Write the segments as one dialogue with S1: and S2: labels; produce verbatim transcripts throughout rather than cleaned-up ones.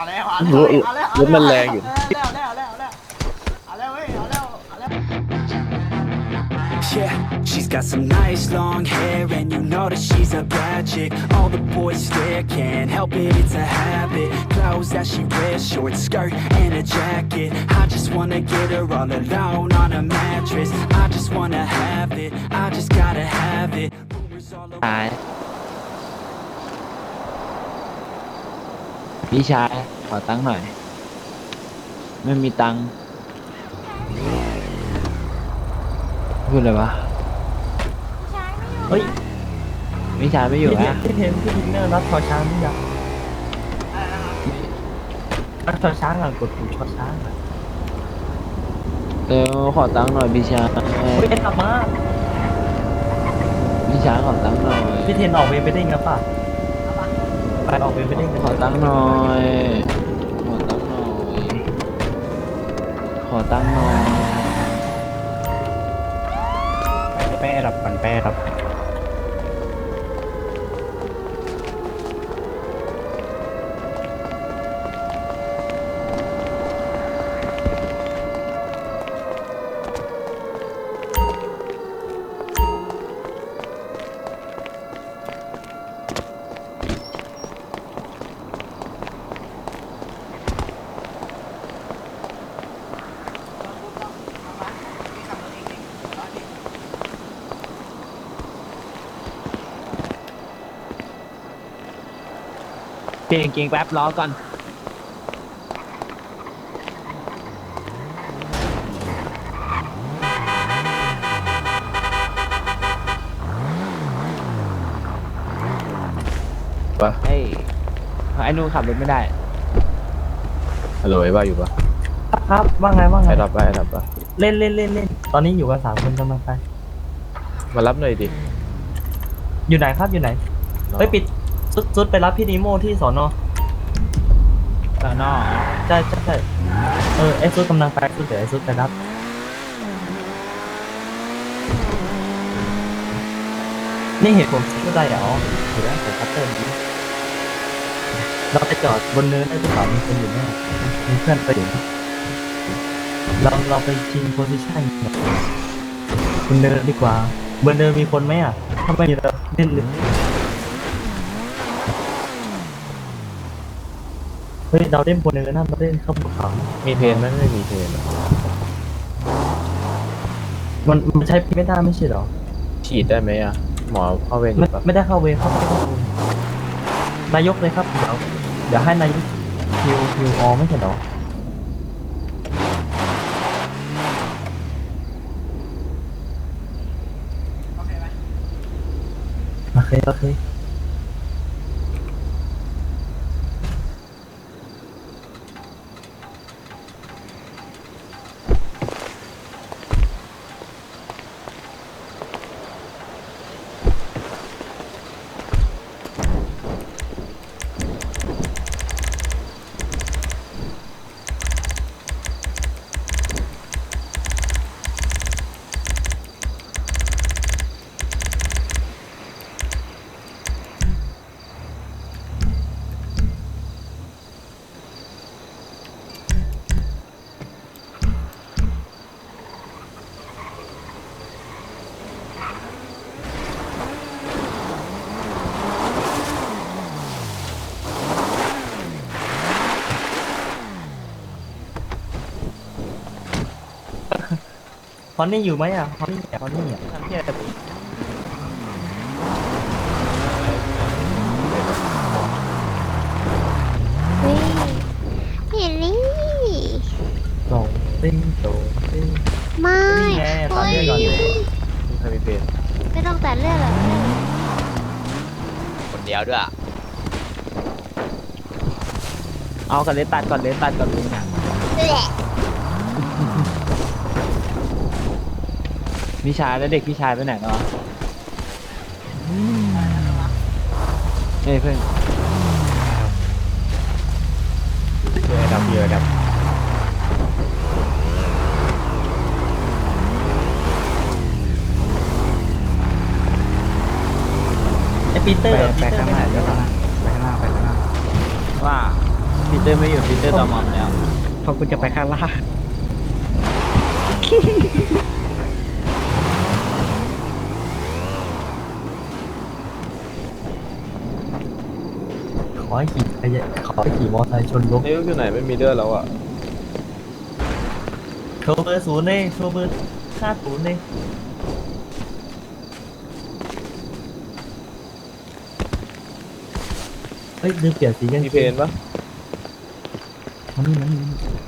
S1: เอาแล้วเอาแล้วเอาแล้ว
S2: รถมันแรงอยู่
S1: เอาแล้วเอาแล้วเอาแล้วเอาแล้วเว้ยเอาแล้วเอาแล้ว
S3: Yeah, she's got some nice long hair and you know that she's a bad chick. All the boys stare, can't help it, it's a habit. Clothes that she wears, short skirt and a jacket. I just wanna get her all alone on a mattress. I just wanna have it, I just gotta have it. Rumors all over.
S4: ชายพี่ชายขอตังค์หน่อย ไม่มีตังค์พูดเลยวะ
S5: เฮ้ย
S4: พี่ชายไม่อยู่
S5: พี่
S4: นะ
S5: เทนพี่เทนพี่ทินเนอร์รัดชอช้างนี่ยังรัดชอช้างอ่ะกดปุ่มชอช้างอ่ะ
S4: เออขอตังค์หน่อยพี่ชาย
S5: เฮ้ยเอ็นกลับมา
S4: พี่ชายขอตังค์หน่อย
S5: พี่เทนออกเวรไปได้ไงป่ะไปออกเวรไปได้ไง
S4: ขอตังค์หน่อยขอตังค์หน่อยขอตังค์หน่อย
S5: แป้รับกันแป้รับ
S4: เก่งเก่งแป๊บรอก่อน
S2: ปะ
S4: เฮ้ยไอ้นู่นขับรถไม่ได้
S2: ฮัลโหลไอ้บ้าอยู่ปะ
S5: ครับว่าไงว่าไง
S2: ไอ้รับปะไอ้รับปะ
S5: เล่นเล่นเล่นเล่นตอนนี้อยู่กันสามคนกำลังไป
S2: มารับหน่อยดิ
S5: อยู่ไหนครับอยู่ไหนเฮ้ยปิดซุดซุดไปรับพี่นิโมที่สอนอ
S4: สอนอ
S5: ใช่ใช่ใช่เออไอ้ซุดกำลังไปซุดเดี๋ยวไอ้ซุดไปรับนี่เห็นผมชุดอะไรอ่ะอ๋อเห็นแล้วผมคัตเตอร์นี้เราไปจอดบนเนินได้หรือเปล่ามีคนอยู่แน่มีเพื่อนไปอยู่เราเราไปชิงโพซิชั่นบนเนินดีกว่าบนเนินมีคนไหมอ่ะถ้าไม่มีเราเล่นเลยเฮ้ยเราเล่นบนเนินนะเราเล่นเข้าภูเขา
S2: มีเพนไหมไม่มีเพนอะ
S5: มันมันใช้ไม่ได้ไม่ใช่เหรอ
S2: ฉีดได้ไหมอ่ะ หมอเข้าเวรอ
S5: ไม่
S2: ยู่ปะ
S5: ไม่ได้เข้าเวรเข้าไม่ได้เข้าเวรนายกเลยครับเดี๋ยวเดี๋ยวให้นายกคิวคิวออไม่ใช่เหรอโอเคโอเคฮอนนี่อยู่ไหมอ่ะฮอนนี่อ่ะฮอนนี่อ่ะ
S4: ทำเพี้ยอะไร
S6: เฮ้ยเฮลี่
S5: โตติ้งโตติ้ง
S6: ไม่
S5: นี่ไงตามเรื่องก่อนเลย
S2: มีใครมีเพน
S6: ไม่ต้องแต่เรื่องหรอก
S7: คนเดียวด้วย
S4: เอากันเลยตัดก่อนเลยตัดก่อนเลยนะ
S6: แหละ
S4: พี่ชายแล้วเด็กพี่ชายไปไหนเนาะเฮ้ยเพื่อน
S2: เพื่อไอ้ดับเพื่อไอ้ดับ
S5: ไอปีเตอร์
S2: ไปข้างหน้าเดี๋ยวข้างหน้าไปข้างหน้าไปข้างหน้า
S4: ว่าผิดเตอร์ไม่อยู่ปีเตอร์ตอมอมแล้ว
S5: พอคุณจะไปข้างล่าง ขอให้ขี่ขยะขอให้ขี่มอเตอร์ไซค์ชนรถ
S2: นี่อยู่ไหนไม่มีเลือดแล้วอ่ะ
S5: โชว์เบอร์ศูนย์เลยโชว์เบอร์ห้าศูนย์เลยเฮ้ยลืมเปลี่ยนสีกัน
S2: มีเพนปะ
S5: มันนี่มันนี่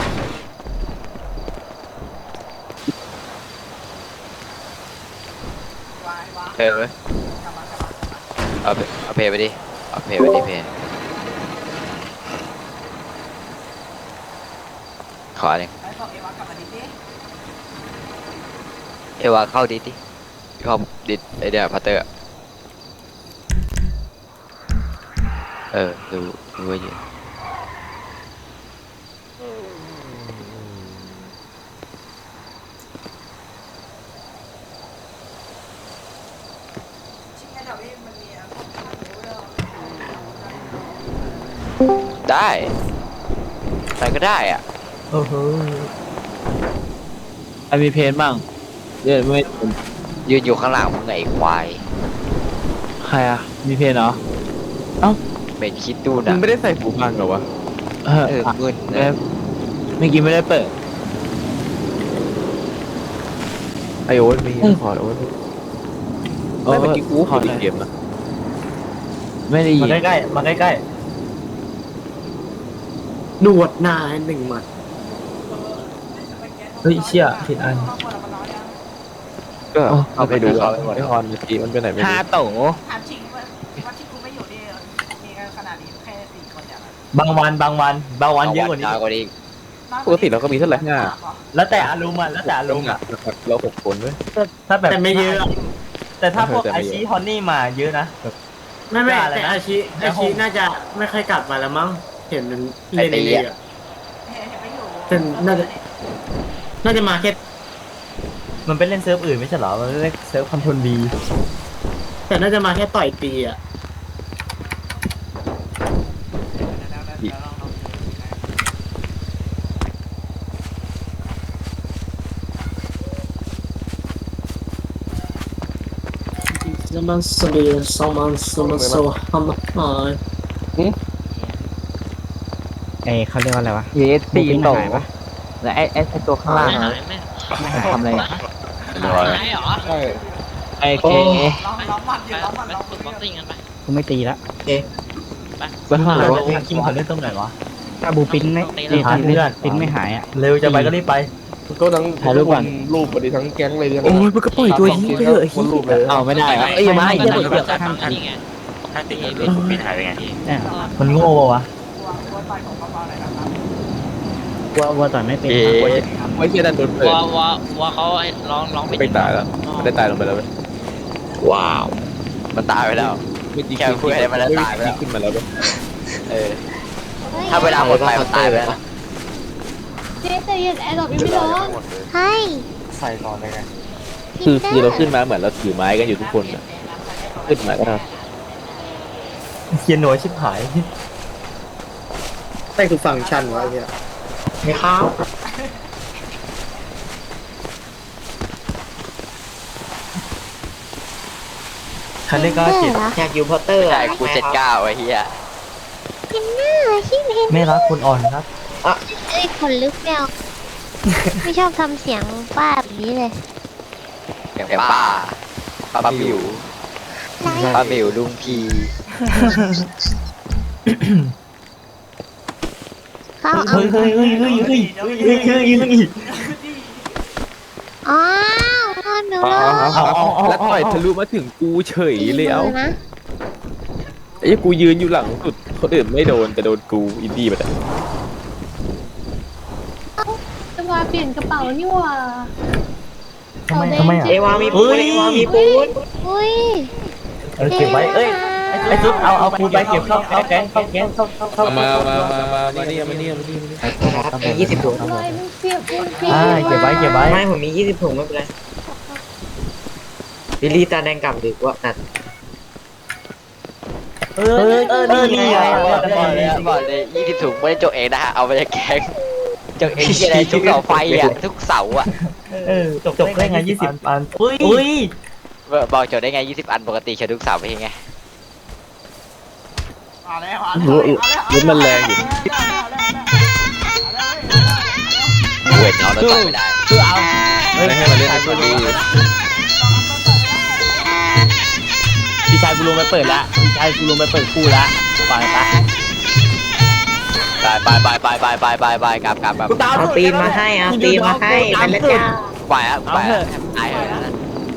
S1: วายวาย
S7: เพย์ไป
S1: กลับมากลับมากลับมา
S7: เอาเพเอาเพย์ไปดิเอาเพย์ไปดิเพย์ขอหนึ่ง
S1: ไอ้บอกเอวากลับมาดิดิ
S7: เอวาเข้าดิดิเข้าดิดไอเดียพัตเตอร์อะเออดูดูไว้อยู่
S1: ชิ้นนี้เดี๋ยวพี่มันมีอะไรพวกข้าวหมูด้วย
S7: ได้ใครก็ได้อ่ะ
S5: โอ้โห
S4: ใครมีเพนบ้างเดี๋ยวไม่
S7: ยืนอยู่ข้างหลังมึงไงไอ้ควาย
S4: ใครอ่ะมีเพนเหรอ
S7: เป็นคิดดู
S2: มึ
S7: นะ
S2: งไม่ได้ใส่หูฟังเหรอวะ
S4: เออ
S7: เออมึน
S4: ไม่
S7: นะ
S4: เมื่อกี้ไม่ได้เปิด
S2: ไอโอ๊ตมีขอโอ๊ตไม่เมื่อกี้กูขอดีเกมนะ
S4: ไม่ได้ยิ
S5: มาน ใกล้ๆมาใกล้
S8: หนวดหน้าหนึ่งหมัด
S5: ๆเฮ้ยเชี่ยผิดอัน
S1: ครอบครัวเรามันน้อยยัง
S2: ก็เอาไปดูอ่ะไอฮอนเมื่อกี้มันไปไหนไม่
S4: ห้า
S2: รู้
S4: โต
S1: ถามจริงว่าว่าที่กูไม่อยู่นี่มีกันขนาดนี้แค่สี่คนอย่างนั้น
S5: บางวันบางวันบางวันเยอะกว่านี้
S7: น้อยกว่านี้
S2: ปกติเราก็มีเท่าไหร่ห้า
S5: แล้วแต่อารมณ์อ่ะแล้วแต่อารมณ์อ่ะ
S2: เราหกคนเว้ย
S5: ถ้าแบบ
S8: แต่ไม่เยอะ
S5: แต่ถ้าพวก
S2: แต่ไม่
S5: ไอ
S2: เยอะ
S5: ชีฮอนนี่มาเยอะนะแบบ
S8: ไม่ไม่
S5: ว่าอะไร
S8: แต่
S5: นะ
S8: อาชี
S5: ใน
S8: อา
S5: ห้อ
S8: ชี
S5: ง
S8: น่าจะไม่ค่อยกลับมาแล้วมั้งเห็นมันเล่นในเรือ
S1: เห็นไม่อยู่
S8: แต่น่าจะน่าจะมาแค่
S5: มันไปเล่นเซิร์ฟอื่นไม่ใช่เหรอมันเล่นเซิร์ฟคอนโทรลบี
S8: แต่น่าจะมาแค่ต่อยตีอ่ะ สมันสเบียสมันสมันโซฮัมหาย
S5: เอ้เขาเรียกว่าอะไรวะ
S4: เยสตีโตแล้วไอ้ไอ้ไอ้ตัวข้างล่างอะทำอะไรอะ
S2: ใช่
S4: ไอ้เค
S1: ร้องร้องมันอยู่ร้องมันร้องมัน
S5: กูไม่ตีละ
S4: บ้า
S5: แล้
S4: แล้ว ว
S5: คิมเขาเล่นตรงไหนวะ
S9: ถ้าบูปิ้นไม่
S5: ตีทันเลือด
S9: ปิ้นไม่หายอ่ะ
S5: เร็วจะไปก็รีบไป
S2: ก็ทั้ง
S4: ถ่ายรูปก่อน
S2: รูปพอดีทั้งแก๊งเลย
S5: โอ้ยมันก็ปล่อยตัวนี้ไปเถอะ
S2: คนรูปเลย
S4: เอาไม่ได้อะเอ้ยมาไอ้เหี้ยเดี๋ยว
S9: ข้างอัน เนี่ย
S5: มันโง่ปะวะ
S1: ตัวตัวต่อยของเบาๆหน่อยนะครับ
S9: วัววัวต่อยไม่เป็น
S7: เอ๊
S2: ไว้
S7: ะ
S2: ไว้เชียร์ดันโดนเปิด
S10: ว่าว่าว่าเขาไอ้ร้องร้องไป
S2: ไม่ตายแล้วมันได้ตายลงไปแล้วเว้ย
S7: ว้าวมันตายไปแล้ว
S2: เมื่อกี้
S7: แค่พูดให้มันแล้วตายไปแล้ว
S2: ขึ้นมาแล้วเว้ย
S7: เออถ้าเวลาหมดไปมันตายไปแล้ว
S6: เจ๊แต่ยังแอร์ดรอปยังไม่ร้องให้
S2: ใส่ก่อนเลยไงคือคือเราขึ้นมาเหมือนเราถือไม้กันอยู่ทุกคนอะขึ้นมาก็ได้
S5: เคียนหน่วยชิบหาย
S8: แต่คือฟังก์ชันวะไอ้เนี่ยไม่เข้า
S5: คันเล่นก็เจ็บ
S8: อยากอยู่พอตเตอร์
S7: ใช่กูเจ็ดเก้าไอ้เหี้ย
S6: พินหน้าชิมเห็น
S5: ไม่รักคนอ่อนครับ
S6: เอ้ยขนลุกแมว ไม่ชอบทำเสียงป้าแบบนี้เลย
S7: อย่างป่าปลาปลาบิว
S6: ไร
S7: ปลาบิวลุงพี
S6: เขาเอา
S5: เฮ้ยเฮ้ยเฮ้ยเฮ้ยเฮ้ยเฮ้ยเฮ้ยเฮ้ยเฮ้ย
S6: อ้าวพ่อหนู
S2: เอา
S6: เหรอ
S2: เอาเอาเอาแล้วต่อยทะลุมาถึงกูเฉยเลยเอา
S6: ตีมืนะ
S2: ไอ้กูยืนอยู่หลังสุดคนอื่นไม่โดนแต่โดนกูอินดี้ไปแต่
S11: จะมาเปลี่ยนกระเป๋านี่หว่า
S5: ทำไมทำไมอ่ะ
S8: เอวามีปูนเอวามีปูน
S6: อุ้ย
S5: เออเก็บไว้เอ้ยไอ้ซุปเอาเอาปูไปเก็บเข้าเข้าแก๊งเข้าแก๊งเข้าเข้าเข้า
S2: มามามามามานี่มานี่มานี่
S8: มียี่สิบถุง
S11: อะไรมันเปียกมันเปีย
S5: อ่าเก็บไว้เก็บไว้
S8: ไม่ผมมียี่สิบถุงไม่เป็นไรบิลลี่ตาแดงกลับดีกว่านั่น
S5: เออเออนี่ไง
S7: บอกเลยบอกเลยยี่สิบถุงไม่ได้จกเองนะฮะเอาไปจากแกงจกเองที่อะไรทุกเสาไฟอ่ะทุกเสาอ่ะ
S5: เออจบได้ไงยี่สิบอันอุ้ย
S7: บอกจกได้ไงยี่สิบอันปกติใช้ทุกเสาไม่ใช่ไง
S1: เอาแล้วเอา
S2: รู้
S1: แล้ว
S2: รู้มันแรงอยู่
S7: เวทน้องเราต่อยไม่ได้
S5: คือเอา
S2: ไม่ให้มันเล่นให้ดี
S9: พี่ชายกูลงไปเปิดละพี่ชายกูลงไปเปิดคู่ละไปไป
S7: ไปไปไปไปไปไปไปกลับกลับกลับ
S5: เอาตีนมาให้เอาตีนมาให้ไปแล้วจ้า
S7: ไปอ่ะไปอ่ะตายเลยนะ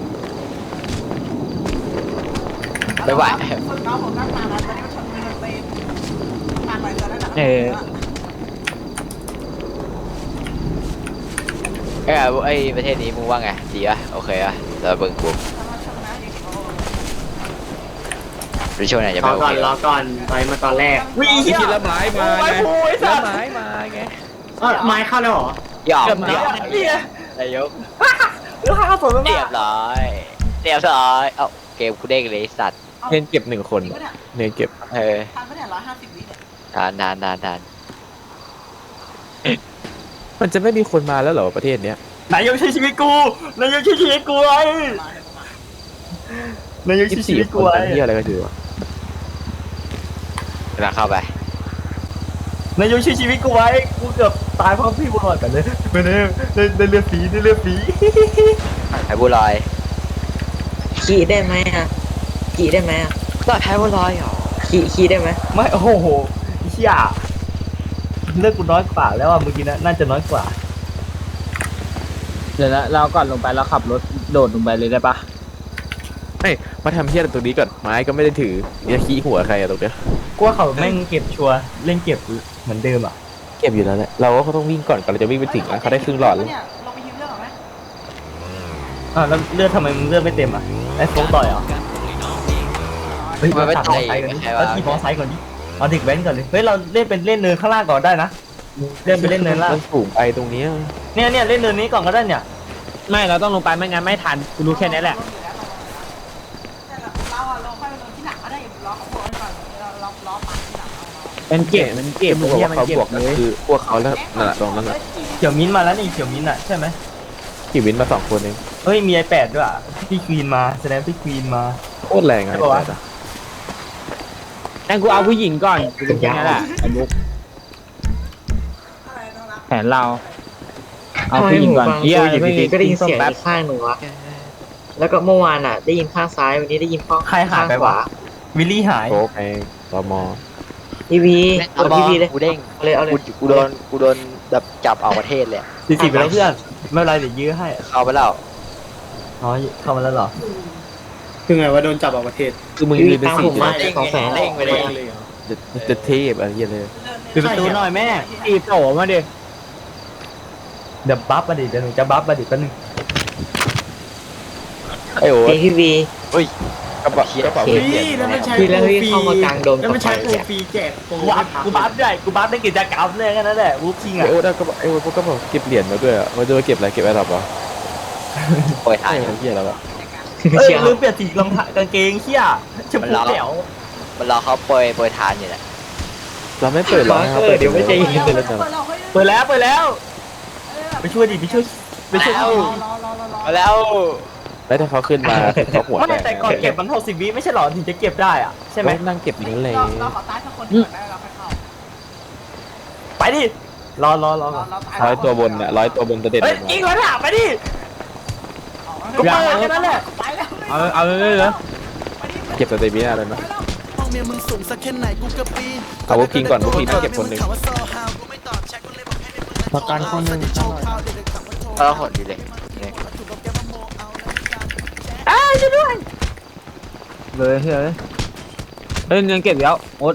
S7: ไม่ไหว
S1: ฝึกน้องผมนั่งมาแล้วตอนนี้มันชนมือมันตีผ่านไปเจอแล้วนะ
S9: เออ
S7: เอ้ยไอ้ประเทศนี้มึงว่าไงดีอ่ะโอเคอ่ะเราเบิ่งกูริชวลไหนจะ
S8: ร
S7: ไม่
S8: อ
S7: โอ
S8: ก่อ
S7: เคน
S8: รอก่อนไปมาตอนแรก
S5: วิ่ง
S2: คิดละไม้มาไงละไม้มาไง
S8: เออไม้เข้าแล้วเหรอ
S7: หยอก
S5: เกือบ
S7: หย
S5: นะ
S7: อก
S5: เนี่ย
S7: นายก
S5: หรือห้าฝน
S7: เรียบร้อยเรียบร้อยเอ้าเกมกูเด้งเลยสัตว์
S2: เน้นเก็บหนึ่งคนเน้นเก็บ
S7: เออ
S1: ทันปะเนี่ยร้อยห้าสิบวิเนี่ย
S7: ทานทานทานทาน
S2: มันจะไม่มีคนมาแล้วเหรอประเทศเนี้ย
S5: นายกใช้ชีวิตกูนายกใช้ชีวิตกูไอ้นายก
S2: ยี่
S5: ใช้
S2: สิบ
S5: ชี
S2: สี่
S5: วิต
S2: ค
S5: กู
S2: น
S5: ไอ้
S2: ทำที่อะไรกันอยู่วะ
S7: กำลังเข้าไป
S5: นายกใช้ชีวิตกูไว้กูเกือบตายเพราะพี่บุญรอดกันเลยไม่ได้ได้เลือดฝีได้เลือดฝี
S7: ไอ้บัวลอย
S8: ขี่ได้ไหมอ่ะขี่ได้ไหมอ่ะ
S7: ก็ไอ้บัวลอยเหรอ
S8: ขี่ขี่ได้ไหม
S5: ไม่โอ้โหเชี่ยเลือดกูน้อยกว่าแล้วอ่ะเมื่อกี้นะน่าจะน้อยกว่า
S9: เดี๋ยวนะเราก่อนลงไปเราขับรถโดดลงไปเลยได้ปะ
S2: เฮ้ยมาทำที่อะไรตรงนี้ก่อนไม้ก็ไม่ได้ถือจะขี้หัวใครอะตรงเนี้ย
S5: กูว่าเขาแม่งเก็บชัวร์เล่นเก็บเหมือนเดิมอ่ะ
S2: เก็บอยู่แล้วแหละเราก็เขาต้องวิ่งก่อนก่อนเราจะวิ่งไปถึงนะเขาได้ครึ่งหลอดแล้ว
S1: เนี่ยลงไปฮิวเรื่องหรอไหม
S5: อ่าแล้วเลือดทำไมมึงเลือดไม่เต็มอ่ะไอ้โฟกต่อยเหรอเฮ้ยเราตัดมอไซค์ก่อนดิเราขี่มอไซค์ก่อนดิเอาเด็กแว้นก่อนเลยเฮ้ยเราเล่นเป็นเล่นเนินข้างล่างก่อนได้นะเล่นไปเล่นเนินล่าง
S2: มันสูงไปตรงเนี้ย
S5: เนี่ยเนี่ยเล่นเนินนี้ก่อนก็ได้เนี่ย
S9: ไม่เราต้องลงไปไม่งั้นไม่ทันกูรู้แค่นี้แหละ
S1: เราอะลงค่อยไปลงที่หลังก็ได้ล้อเขาบวกก่อนเราล้อล้อปัดที่หลังเอา
S9: มันเก็บมันเก็บ
S2: มึงบอกว่าเขาบวกก็คือพวกเขาแล้วนั่นแหละตรงนั้นแหละ
S5: เขียวมิ้นท์มาแล้วนี่เขียวมิ้นท์อ่ะใช่ไหม
S2: ขี่วินมาสองคนเอง
S5: เฮ้ยมีไอแปดด้วยอ่ะพี่ควีนมาแสดงพี่ควีนมา
S2: โคตรแรงอะ
S5: ใช่ปะวะ
S9: งั้นกูเอาผู้หญิงก่อนกูรู้แค่นี้แหละไอ้มุกแผนเราเอาผู้หญิงก่อนเฮีย
S8: อยู่
S9: ไม่
S8: ดีๆก็ได้ยิน
S9: ส้ม
S8: เสียง
S9: แป๊บ
S8: อีกข้างหนึ่งวะแล้วก็เมื่อวานอ่ะ ได้ยินข้างซ้ายวันนี้ได้ยินข้าง
S5: ใครหายไป
S8: ข
S5: วะ
S8: วา
S5: วิลลี่หาย
S2: โค้กไอ้ตม
S8: ทีวี
S7: เอา
S8: กด
S7: บอ
S8: ที
S7: ล
S8: วีเลย
S7: กูเด้ง
S8: เอาเลยเอาเลย
S7: กูกูโดนกูโดนแบบจับออกประเทศเลย
S5: สี่สิบไปแล้วเพื่อนไม่เป็นไรเดี๋ยวยื้อให้
S7: เข้าไปแล้ว
S5: อ๋อเข้ามาแล้วเหรอ
S8: คือไงว่าโดนจับออกประเทศ
S2: คือมึง
S8: ทีวี
S2: ยืนเป็น
S8: ตาม
S2: สี่
S8: ผมมา
S2: จะ
S8: สองแสน
S7: เด้งไปเลย
S2: จะเทพอะไรเงี้ยเลย
S5: ปิดประตูหน่อยแม่
S9: ตีโผล่มาดิ
S5: เดี๋ยวบัฟมาดิเดี๋ยวหนูจะบัฟมาดิแป๊บนึง
S2: ไอ้โอ้
S8: เอทีวี
S2: กระเป๋ากระเป๋าเปลี่ยน
S8: พี่แล้วพี่เข้ามากลางโดมกับไฟเนี่ย
S5: กูบัฟกูบัฟด้วยกูบัฟได้กิจกรรมเลยแค่นั้นแหละวูฟชิง
S2: ไอ้
S5: อ่ะ
S2: โอ้ได้กระเป๋าไอ้โอ้พวกกระเป๋าเก็บเหรียญมาด้วยอะมันจะมาเก็บอะไรเก็บอะไรหรอปะ
S7: ปล่อยถ่า
S2: ไอ้
S7: ย
S2: เหี้ยแล้วอะ
S5: เอ้ย
S8: เชียว
S5: ลืมเปลี่ยนสีรองเท้ากางเกงเชี่ยชมพูเขียว
S7: มันรอเขาปล่อยปล่อยทานอยู่แหละ
S2: เราไม่เปิดหรอก
S8: เออเดี๋ยวไม่ใจเย็น
S2: เปิดแล้วจ้ะ
S5: เปิดแล้วเปิดแล้วไปช่วยดิไปช่วยไปช่วย
S1: รอรอรอรอ
S7: มาแล้ว
S2: แล้วถ้าเขาขึ้นมาเขาหัว
S5: ไม่แต่ก่อนเก็บมันหกสิบวิไม่ใช่หรอถึงจะเก็บได้อ่ะใช่ไหม
S2: นั่งเก็บอย่างนั้นเลย
S1: เราขอตายสักคนก่อนได้เราค่อยเข้า
S5: ไปดิรอรอรอก่อน
S2: ร้อยตัวบนอะร้อยตัวบนจะเด็ด
S5: เฮ้ยยิงแล้วถามไปดิกูเปิดแค่นั้นแหละ
S1: ไปแล้ว
S9: เอาเอาเลยเลย
S2: เก็บสเตมิน่าเลยนะเอาพวกพิงก่อนพวกพิงต้องเก็บคนหนึ่ง
S9: ประกันคนหนึ่ง
S7: เออหดดีเลยเนี่ย
S9: เลยเฮ้ยเฮ้ยเงินเก็บแล้วโอ๊ต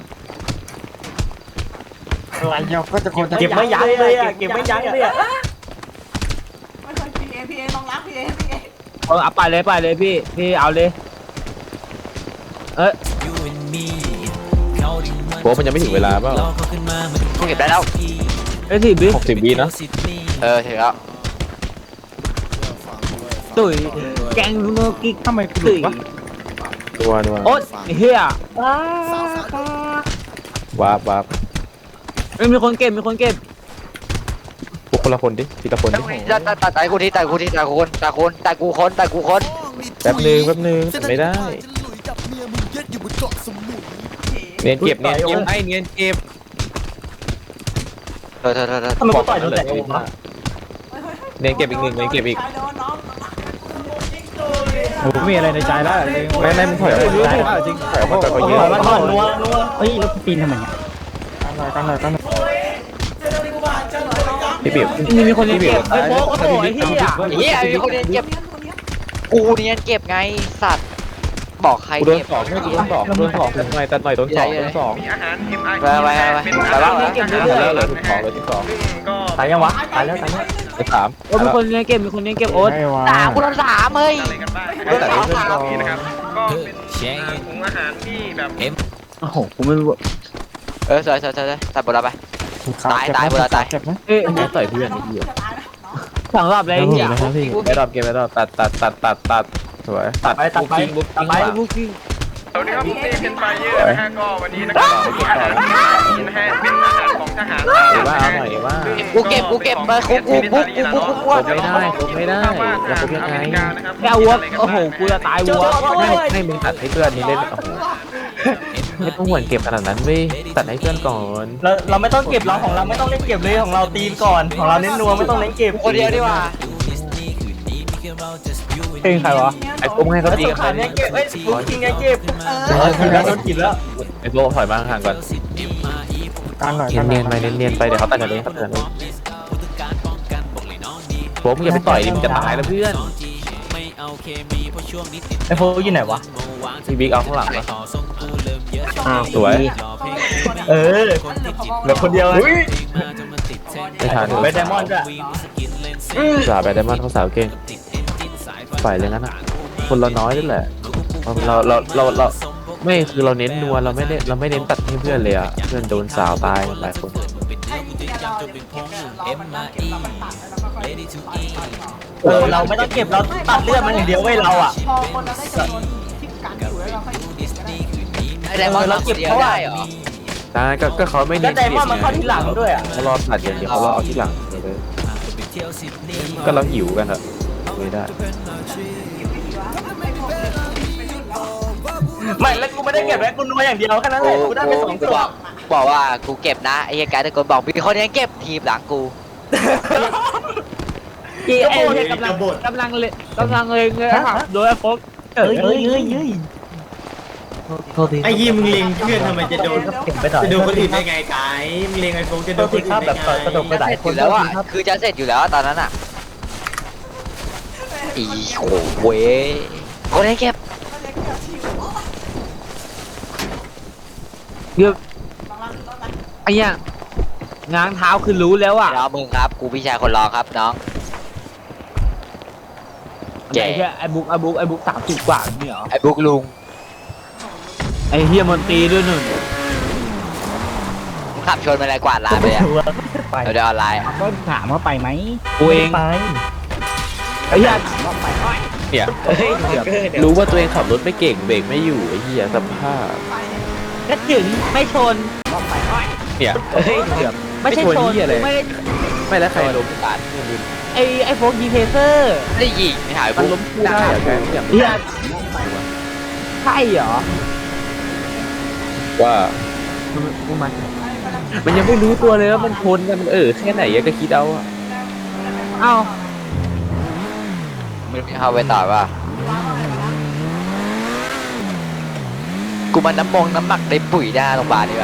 S5: อะไรเนาะก็จะคนเก็บไม่ยั้งเลยอ่ะเก็บไม่ยั้งเลยอ่ะ
S1: ไม่เคยพีเอพีเอลองรักพีเอพีเอ
S9: เอาเอาไปเลยไปเลยพี่พี่เอาเลยเอ้ย
S2: โค้กมันยังไม่ถึงเวลาเปล่า
S7: กูเก็บได้แล้ว
S9: เอ้ยสิบิ
S2: หกสิบวินะ
S7: เออถึงแล้ว
S9: ตุ๋ยแกงลูโนกิกทำไมตุ๋ย
S2: นัวนัว
S9: โอ๊ยเฮีย
S2: วาบวาบ
S9: เอ้ยมีคนเก็บมีคนเก็บ
S2: พวกคนละคนดิทีละคนดิ
S7: ตายตายตายตายกูที่ตายกูที่ตายกูคนตายคนตายกูคนตายกูคน
S2: แป๊บนึงแป๊บนึงไม่ได้เนียนเก็บเนียนเก็บให้เนียนเก็บ
S7: เธอเธอเธอเธอ
S5: ทำไมกูต่อยโดนแต่โอมวะ
S2: เนียนเก็บอีกหนึ่งเนียนเก็บอีก
S5: ผมมีอะไรในใจแล้ว
S2: ไม่ไม่มึงถอยออกมาได้จริงถอยออกมาก็เยอะ
S5: มันถอนนัวนัวเฮ้ยรถปีนทำไมเนี่ยตั้งหน่อยตั้งหน่อยตั้งหน่อย
S2: พี่เบียบ
S9: นี่มีคนเก็บไอ้โฟกโอ้โหไอ้เฮีย
S7: เฮียมีคนเนียนเก็บกูเนียนเก็บไงสัตว์บอกใคร
S2: กูโดน
S7: เก็บ
S2: สองไม่กูโดนสองโดนสองตัดหน่อยตัดหน่อยโดนสองโดนสอง
S7: ไปไปไปไปบ้าง
S9: เก็บ
S2: แล้
S9: เรื่
S2: ว
S9: อย
S2: เลยสองเลยสอง
S5: ตายยังวะตายแล้วตายแล้ว
S2: ไปสาม
S9: ๆโอ้มีคนเก็บมีคนเก็บโอ๊ต
S7: สามกูโดนสามเฮ้ย
S2: ให้ตัดให้เพื่อนก่อน
S4: โอ้โหกูไม่รู้
S7: เออสวยสวยสวยตัดบอลไปตายตายบอลตาย
S9: เอ้ย
S2: ไม่ต่อยเพื่อนไอ้เหี้ย
S9: สั่งรอบเลยไอ้เฮีย
S2: ไปดรอปเกมไปดรอปตัดตัดตัดตัดตัดสวยตัด
S5: ไปตัดไป
S2: บุ๊ก
S5: ตัดไป
S2: บุ๊ก
S9: บุกกิ้ง
S2: สวยเก็บต่อเอว่าเอาหน่อยเอว่า
S7: กูเก็บกูเก็บมากูกูกูกูกูกู
S2: ครบไม่ได้ครบไม่ได้จะครบยังไง
S9: แกวัวโอ้โหกูจะตายวัว
S2: ให้ให้มึงตัดให้เพื่อนนี่เล่นโอ้โหไม่ต้องหวนเก็บขนาดนั้นเว้ยตัดให้เพื่อนก่อน
S5: เราเราไม่ต้องเก็บเราของเราไม่ต้องเล่นเก็บเลยของเราตีก่อนของเราเน้นนัวไม่ต้องเล่นเก็บ
S7: คนเดียวดีกว่า
S9: เพลงใครวะ
S2: ไอ้พวกให้เขา
S5: แล้ว
S2: ตี
S5: สุ
S2: กั
S5: ด
S2: น
S5: ท้าย
S2: ไป
S5: เนี่ยเก็บเอ้ยบุกจริงไงเก็บเออถึงแล้วโดนกินแล้ว
S2: ไอ้พวกถอยมาห่างก่อน
S5: การหน่อย
S2: เนียนๆไปเนียนๆไปเดี๋ยวเขาตัดกันเองเขาตัดกันเองพวกมึงอย่าไปต่อยดิมึงจะตายแล้วเพื่อน
S5: ไอ้โฟอยู่ไหนวะ
S2: พี่บิ๊กเอาข้างหลังแล้วสวย
S5: เออเหลือคนเดียวเลย
S2: ไม่ทัน
S5: ไปไดมอนด์จ้ะ
S2: สาวไปไดมอนด์เขาสาวเก่งฝ่ายเลยงั้นอ่ะคนเราน้อยนี่แหละเราเราเราเราไม่คือเราเน้นนัวเราไม่ได้เราไม่เน้นตัดให้เพื่อนเลยอ่ะเพื่อนโดนสาวตายหลายคน
S5: เออเราไม่ต้องเก็บเราตัดเลือดมันอย่างเดียวเว้ยเราอ่ะ
S1: พอคนเราได้จำนวนที่กันอยู่แล้วเราค่อยเก็บก็ได้
S7: ไอ้ไดมอนด์เราเก็บเขาได้เหรอ
S2: ใช่ก็ก็เขาไม่
S5: ก็
S2: เน้น
S5: ไดมอนด์มันเข้าที่หลังด้วยอ่ะ
S2: เขารอตัดอย่างเดียวเขารอเอาที่หลังเลยก็เราหิวกันอะไม่ได้
S5: ไม่แล้วกูไม่ได้เก็บแล้วกูนัวอย่างเดียวแค่นั้นแหละกูได้ไปสอง
S7: กู
S5: ตัว
S7: บอกบอกว่ากูเก็บนะไอ้เหี้ยกายตะโกนบอกมีคนนี้เก็บทีมหลังกู
S9: กีเอ็นกำลังกำลังเลยกำลังเลยเงยครับโดยไอ้โฟก
S5: เอ้ยเอ้ยเอ้ยเอ้ยโทษที
S8: ไอ้ยี่มึงเล็งเพื่อนทำไมจะโดน
S5: เก็บไปต่อ
S8: จะโดนคนอื่นได้ไงกายมึงเล็งไอ้โฟงจะ
S5: โท
S8: โดน
S5: ษ
S8: ค
S5: ที
S8: น
S5: ค
S8: อื่
S5: รับ
S8: น
S5: แบบ
S8: ได้
S5: ต่อยกระ
S8: ไง
S5: ดกไปหลาย
S7: เสร็จ
S5: ค
S7: อน ยู่แล้วอ่ะคือจะเสร็จอยู่แล้วตอนนั้นอ่ะอีโหเว้ยคนนี้เก็บ
S9: เดี๋ยวไอ้เนี้ยง้างเท้าคือรู้แล้วอ่ะ
S7: เดี๋ยวมึงครับกูพี่ชายคนรองครับน้อง
S9: ไอ้เหี้ยไอ้บุ๊กไอ้บุ๊กไอ้บุ๊กสามสิบกว่าเนี่ยเหรอ
S7: ไอ้บุ๊กลุง
S9: ไอ้เฮียมนตรีด้วยหนึ่ง
S7: ขับชนมาอะไรกวาดลานไปอ่ะ
S5: ไป
S7: เดี๋ยวออนไลน์
S5: ก็ถามว่าไปไหม
S9: กูเอง
S5: ไป
S9: ไอ้เหี้ย
S2: เนี่ย
S5: เฮ้ยเกือบ
S2: รู้ว่าตัวเองขับรถไม่เก่งเบรกไม่อยู่ไอ้เหี้ยสภาพ
S9: ก็ถึงไม่ชน
S2: เนี่ย
S5: เฮ้ยเกือบ
S9: ไม่ใช่ชน
S2: ไม่ชนเหี้ยอะไร
S9: ไม่ได้
S2: ไม่แล้วใครล้ม
S7: กาด
S9: ไอ้ไอ้โฟกยีเพเซอร์
S7: ไม่ได้ยิงไม่หาย
S2: มัน
S7: บุ๊ก
S2: ล้มคู่ได้เหรอแกอย่าง
S9: เฮียใช่เหรอ
S2: ว่า
S9: กูมัน
S2: มันยังไม่รู้ตัวเลยว่ามันชนกันมันเออแค่ไหนอะก็คิดเอาอะ
S9: เอ้า
S7: ไม่รู้เข้าไปต่อว่ากูมันน้ำมงน้ำหมักในปุ๋ยหน้าโรงพยาบาลดีกว่า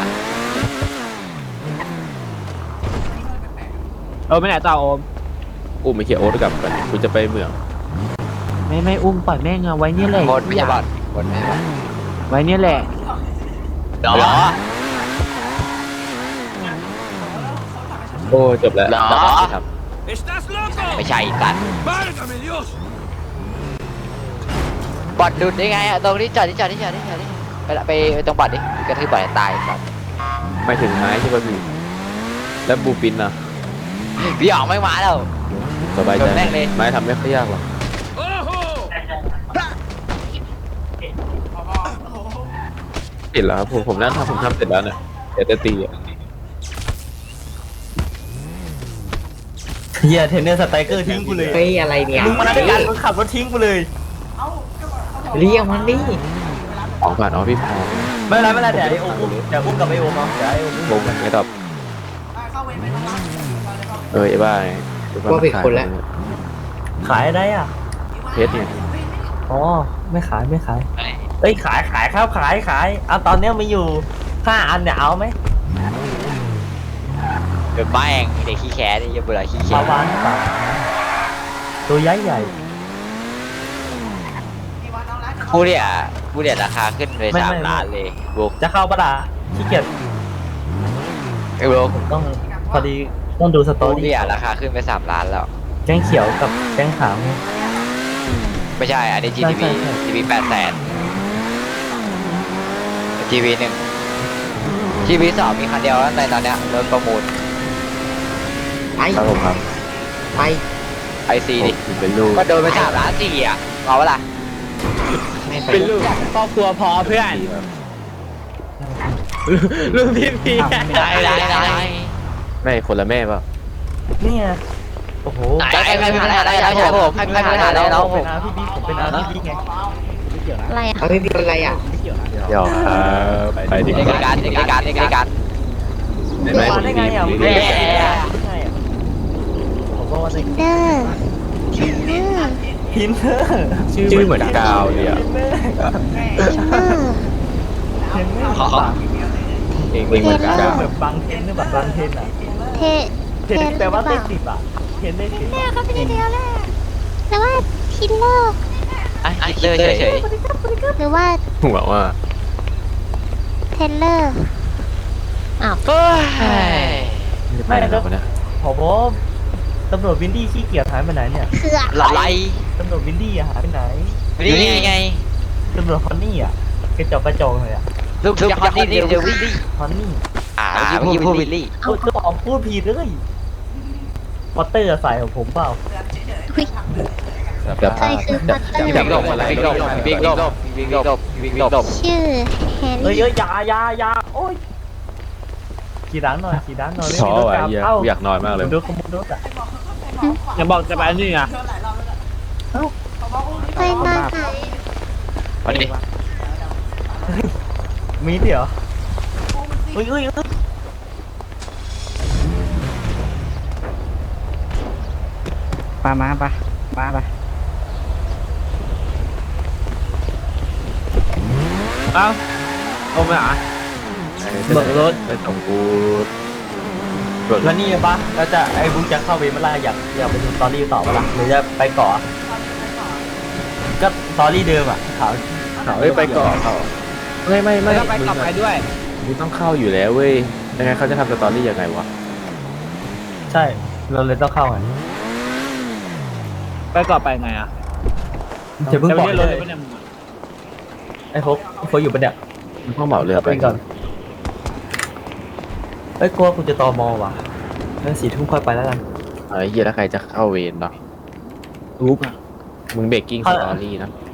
S9: เออไม่ไหนต่อโอม
S2: อุ้มไอ้เขียโอ๊ตกลับกันกูจะไปเมือง
S9: ไม่ไม่อุ้มปล่อยแม่งเอาไว้เนี่ยแหละ
S7: หมดไม่ใช่บอลหมดไม่ใช่บอล
S9: ไว้เนี่ยแหละ
S7: เหรอ
S2: โอ้จบแล้ว
S7: เหรอ
S2: ครับ
S7: ไม่ใช่กันบอดดุดได้ไงอะตรงนี้จอดนี่จอดนี่จอดนี่จอดนี่ไปละไปไปตรงบอดดิกระทืบบอดให้ตายบอด
S2: ไม่ถึงไม้ใช่ป่ะพี่แล้วบูปินนะ
S7: พี่อ๋องไม่มาแล้ว
S2: สบายใจ
S7: โดนแม่งเลย
S2: ไม้ทำไม่ค่อยยากหรอกติดแล้วครับผมผมนั่งทำผมทำเสร็จแล้วเนี่ยเดี๋ยวจะตีอ่ะ
S5: เฮียเทรนเนอร์สไตรเกอร์ทิ้งกูเลย
S9: เฮ้ยอะไรเนี่ย
S5: มึงมาด้วยกันมึงขับรถทิ้งกูเลย
S1: เอ้าก็บอกเอา
S9: เรียกมันดิ
S2: ของผ่านอ๋อพี่พอ
S5: ไม่เป็นไรไม่เป็นไรเดี๋ยวไอโอมเดี๋ยวอุ้มกับไอโอมเอาเดี๋ยวไอโอมอุ้ม
S2: ลงไม่ตอบ
S1: เข้าเวรไม่ต้องรับมาเลยเข้า
S2: เออไอ้บ้าไง
S9: ว่าผิดคนแล้ว
S5: ขายได้อ่ะ
S2: เพชรเนี่ย
S5: อ๋อไม่ขายไม่ขายเอ้ยขายขายครับขายขายเอาตอนเนี้ยมีอยู่ห้าอันเนี่ยเอาไหม
S7: เดี๋ยวบ้าเองเด็กขี้แค้นี่จะเบื่อขี้
S5: ป
S7: แค้
S5: ลาวานเปล่าตัวใหญ่ใหญ่
S7: กูเนี่ยกูเนี่ยราคาขึ้นเลยสามล้านเลยบุก
S5: จะเข้าปะล่ะขี้เกียจ
S7: ไอ้บุก
S5: ผมต้องพอดีต้องดูสตอ
S7: กู
S5: รี่
S7: เนี่ยราคาขึ้นไปสามล้านแล้ว
S5: แกงเขียวกับแกงขาว
S7: ไม่ใช่ อันนี้ จี ที บี
S5: ใช่ใช่
S7: จี ที บี แปดแสน จี ที บี หนึ่ง จี ที บี สองมีคันเดียวแล้วในตอนเนี้ยรถประมูล
S9: ไป
S2: ครับผมครับ
S9: ไป
S7: ไอซีดิ
S2: ผมเป็นลูก
S7: ก็โดนไปสามล้านสี่อ่ะเอาเวล่ะ
S9: ไม่ไป
S10: เป็นลูกครอบครัวพอเพื่อนลูกพี่พี่
S7: ได้ได้ได้
S2: ไม่คนละแม่เปล่า
S5: เนี่ยโอ้โห
S7: ใครใครมีปัญหาอะไรครับผมใครมีปัญหาอะไรน้อง
S5: ผ
S7: ผม ม
S5: เป็นอาพี่บิ๊กผมเป็นอาพี่บิ๊กไง
S6: อะไรอ่ะ
S9: เอาไม่มีอะไรอ่ะ
S2: หยอกครับไปดีก
S7: ใน
S2: ว่า
S7: การในการในการ
S2: เห็นไหม
S5: มา
S2: ผม
S5: ได้
S2: ดี
S5: ไงอ่ะ
S2: ผม
S5: ไม่
S2: ดี
S5: ได้ไงอ่ะผมก็ว่าได้
S6: เดอร์ทินเนอร์
S5: พินเนอร์
S2: ชื่อเหมือนกาวเลยอ่ะ
S6: ทินเนอร์
S5: เทนเนอร์
S7: ขอ
S2: เองเองเหมือนกาว
S5: แบบบางเทนหรือแบบบางเทนอ่ะ
S6: เท
S5: เทนแปลว่าเลขสิบอ่ะเทนเลขสิบ
S6: เนอร์เขาเป็นเดียวแหละแต่ว่าทินเนอร์
S7: อ่ะคิดเลยเฉย
S6: หรือว่า
S2: ผมบอกว่า
S6: เทนเลอร์อ้าว
S7: ๆเฮ้ย
S2: ไม่ได้แล้วนะ
S5: ผมตำรวจวินดี้ขี้เกียจหายไปไหนเนี่ย
S6: คืออะ
S7: หลาย
S5: ตำรวจวินดี้อะหายไปไหน
S7: นี่ไงไง
S5: ตำรวจฮอนนี่อ่ะกระจอกกระจอกเลยอ่ะ
S7: ลูกจะฮอนนี่เดี๋ยววิลลี่
S5: ฮอนนี่
S7: อ่าเมื่อกี้พูดวิลลี่
S5: พูดบอกพูดผิดเลยวอเตอร์ใส่ของผมเปล่า
S6: อุ๊ย
S2: เดี๋ยว
S6: ใช่คือพัตเตอ
S2: ที่
S6: ร์
S2: แบบลบอะไร
S7: บิ๊กลบบิ๊กลบบิ๊กลบบิ๊กลบ
S6: ชื่อแฮร์
S5: เฮ้ย
S6: รี่
S5: เอ้ยอยาอยาอยาโอ้ยขี่ด้านหน่อยขี่ด้านหน่อยไม่
S2: ท้อ
S5: มีรถ
S2: ว่ะ
S5: กลับ
S2: เหี้ย
S5: เอ้า
S2: อยากนอนมากเลย
S5: ดูขโมยรถอ่ะ
S10: อย่าบอกจะไปนี่อ่ะ
S6: ไปนอนไหน
S7: วันนี้
S5: มีเดี๋ยวอุ้ยอุ้ยอุ้ย
S9: ปามาปะมาปะ
S10: เอ้าโอ้ไม่อ่ะ เบิกรถ
S2: ไปส่งกูเบิกร
S5: แล้
S2: ถ
S5: วนี่ปะแล้วจะไอ้บุ๊กจะเข้าเวรเมื่อไรอยากอยากไปดูสตอรี่ต่อปะล่ะหรือจะไปเกาะก็สตอรี่เดิมอ่ะขาว
S2: เขาไม่ไปก่อนเขาไม่ไม่ไม่
S10: แล้วก็ไปกลับไปด้วย
S2: มึงต้องเข้าอยู่แล้วเว้ยยังไงเขาจะทำสตอรี่ยังไงวะ
S5: ใช่เราเลยต้องเข้าไง
S10: ไปกลับไปไงอ่ะ
S5: จะเพิ่ง
S10: จะ
S5: บ
S10: ไป
S5: อก
S10: เรียกร
S5: เล
S10: ถ
S5: ย
S10: เลยปะเนี่ย
S5: ไอ้โฟกไอ้โฟกอยู่ปะเนี่ย
S2: มึงต้องเหมาเรือไป
S5: ไปก่อนเอ้ยกลัวกูจะตอมอว่ะงั้นสี่ทุ่มค่อยไปแล้วกัน
S2: ไอ้เหี้ยแล้วใครจะเข้าเวรเนาะอุ๊บมึงเบรกกิ้งสตอรี่นะ